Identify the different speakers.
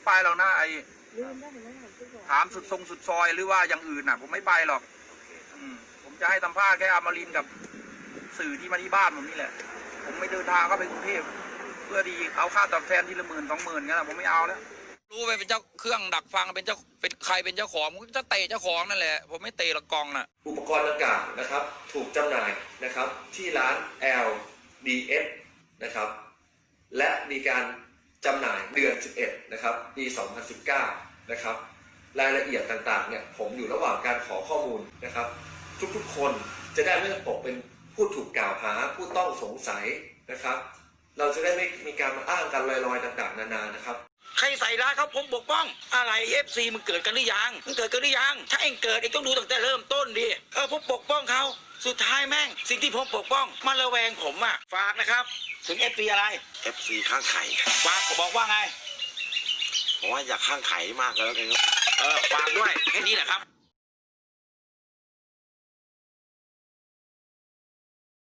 Speaker 1: ไปหรอกนะไอ้ถามสุดทรงสุดซอยหรือว่าอย่างอื่นน่ะผมไม่ไปหรอกผมจะให้สัมภาษณ์แค่อมรินทร์กับสื่อที่มาที่บ้านผมนี่แหละผมไม่เดินทางเข้าไปกรุงเทพเพื่อดีเอาค่าตอบแทนที่ละ10,000 20,000งั้นผมไม่เอาแล้วรู้ไปเป็นเจ้าเครื่องดักฟังเป็นใครเป็นเจ้าของผมจะเตะเจ้าของนั่นแหละผมไม่เตะละกองน่ะ
Speaker 2: อุปกรณ์ดังกล่าวนะครับถูกจำหน่ายนะครับที่ร้าน LDS นะครับและมีการจำหน่ายเดือน 11 นะครับปี 2019 นะครับรายละเอียดต่างๆเนี่ยผมอยู่ระหว่างการขอข้อมูลนะครับทุกๆคนจะได้ไม่ตกเป็นผู้ถูกกล่าวหาผู้ต้องสงสัยนะครับเราจะได้ไม่มีการมาอ้างกันลอยๆต่างๆนานานะครับ
Speaker 3: ใครใส่ร้ายเขาผมปกป้องอะไรFCมึงเกิดกันหรือยังมึงเกิดกันหรือยังถ้าเองเกิดเองต้องดูตั้งแต่เริ่มต้นดิผมปกป้องเขาสุดท้ายแม่งสิ่งที่ผมปกป้องมาระแวงผมอ่ะฝากนะครับถึง FC อะไร
Speaker 4: FC ข้างไข่
Speaker 3: ฝากบอกว่าไง
Speaker 4: ผมว่าอยากข้างไข่มากแล้วกันครับ
Speaker 3: ฝากด้วยแค่นี้แหละครับ